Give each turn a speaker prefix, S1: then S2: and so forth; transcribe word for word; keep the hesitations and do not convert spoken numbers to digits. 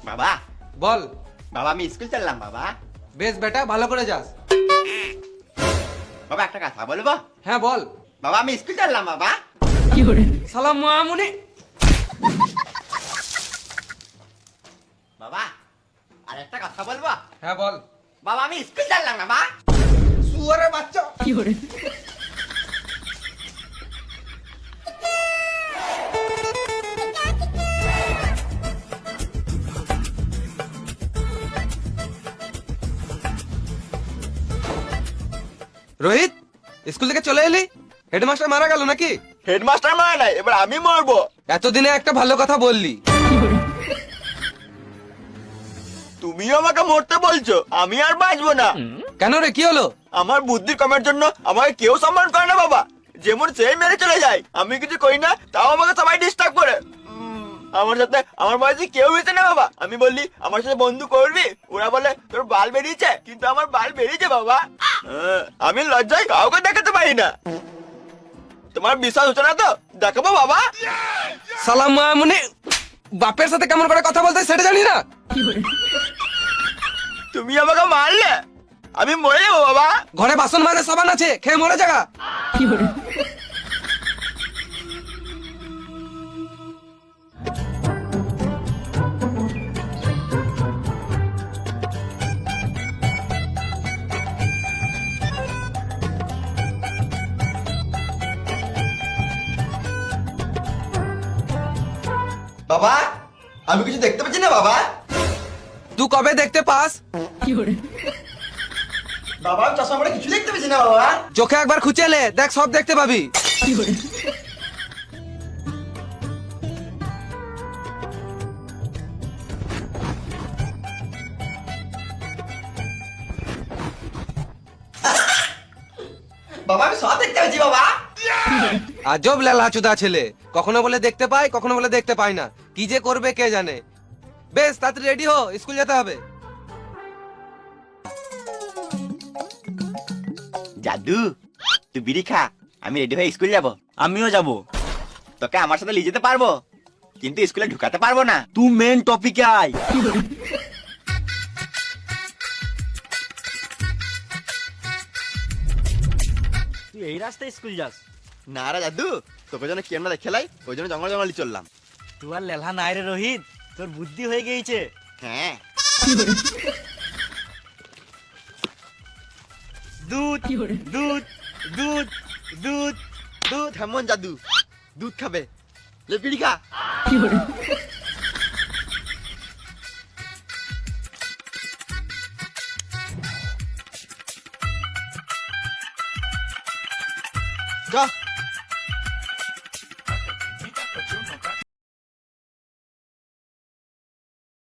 S1: বাবা
S2: বল।
S1: বাবা আমি স্কুল চললাম বাবা।
S2: বেশ বেটা, ভালো করে যাস।
S1: বাবা একটা কথা বলবো?
S2: হ্যাঁ বল।
S1: বাবা আমি স্কুল চললাম বাবা।
S2: সালাম মামুনি।
S1: বাবা আর একটা কথা বলবো?
S2: হ্যাঁ বল।
S1: বাবা আমি স্কুল চললাম বাবা।
S2: শুয়ারের বাচ্চা। রোহিত, স্কুল থেকে চলে এলি? হেডমাস্টার মারা গেল নাকি?
S1: হেডমাস্টার মারা নাই, এবার আমি মরবো।
S2: এতদিনে একটা ভালো কথা বললি।
S1: তুমিও আমাকে মরতে বলছো, আমি আর বাঁচবো না।
S2: কেন রে, কি হলো?
S1: আমার বুদ্ধির কমের জন্য আমাকে কেউ সম্মান করে না বাবা। যেমন সেই মেরে চলে যায়, আমি কিছু করি না তাও আমাকে সবাই ডিস্টার্ব করে। উম, আমার সাথে আমার বয়সে কেউ হয়েছে না বাবা। আমি বললি আমার সাথে বন্ধু করবি, ওরা বলে তোর বাল বেরিয়েছে, কিন্তু আমার বাল বেরিয়েছে বাবা। আহ, আমি লজ্জায় কাউকে দেখাতে পারি না। তোমার বিশ্বাস হচ্ছে না তো দেখাবো বাবা।
S2: সালাম মামুনি, বাপের সাথে কেমন করে কথা বলতে হয় সেটা জানি না?
S1: তুমি আমাকে মারলে আমি মরে যাবো বাবা।
S2: ঘরে বাসন মাজা সাবান আছে, খেয়ে মরে জায়গা।
S1: বাবা আমি কিছু দেখতে পাচ্ছি না বাবা।
S2: তুই কবে দেখতে পাস?
S1: বাবা আমি চশমা পরে কিছু দেখতে পাচ্ছি না বাবা।
S2: চোখে একবার খুঁচেলে দেখ, সব দেখতে পাবি।
S1: বাবা আমি সব দেখতে পাচ্ছি বাবা।
S2: আজব লেলা চুদা ছেলে, কখনো বলে দেখতে পাই, কখনো বলে দেখতে পাই না। কি যে করবে কে জানে। বেশ তাড়াতাড়ি রেডি হো, স্কুল যেতে হবে।
S1: জাদু তুই বিড়ি খা, আমি রেডি হয়ে স্কুল যাব।
S3: আমিও যাব।
S1: তোকে আমার সাথে নিয়ে যেতে পারবো, কিন্তু স্কুলে ঢুকাতে পারবো না।
S3: তুই মেন টপিকে আয়। তুই এই রাস্তায় স্কুল যাস?
S1: না রে জাদু, তোকে যেন কি আমরা দেখে লাই, ওই জন্য জঙ্গল জঙ্গলি চললাম।
S3: তুই আর লেলহা নাই রে রোহিত, তোর বুদ্ধি হয়ে গিয়েছে।
S1: হ্যাঁ
S3: দুধ দুধ দুধ দুধ
S1: দুধ হেমন জাদু, দুধ খাবে, লে বিড়ি খা। চ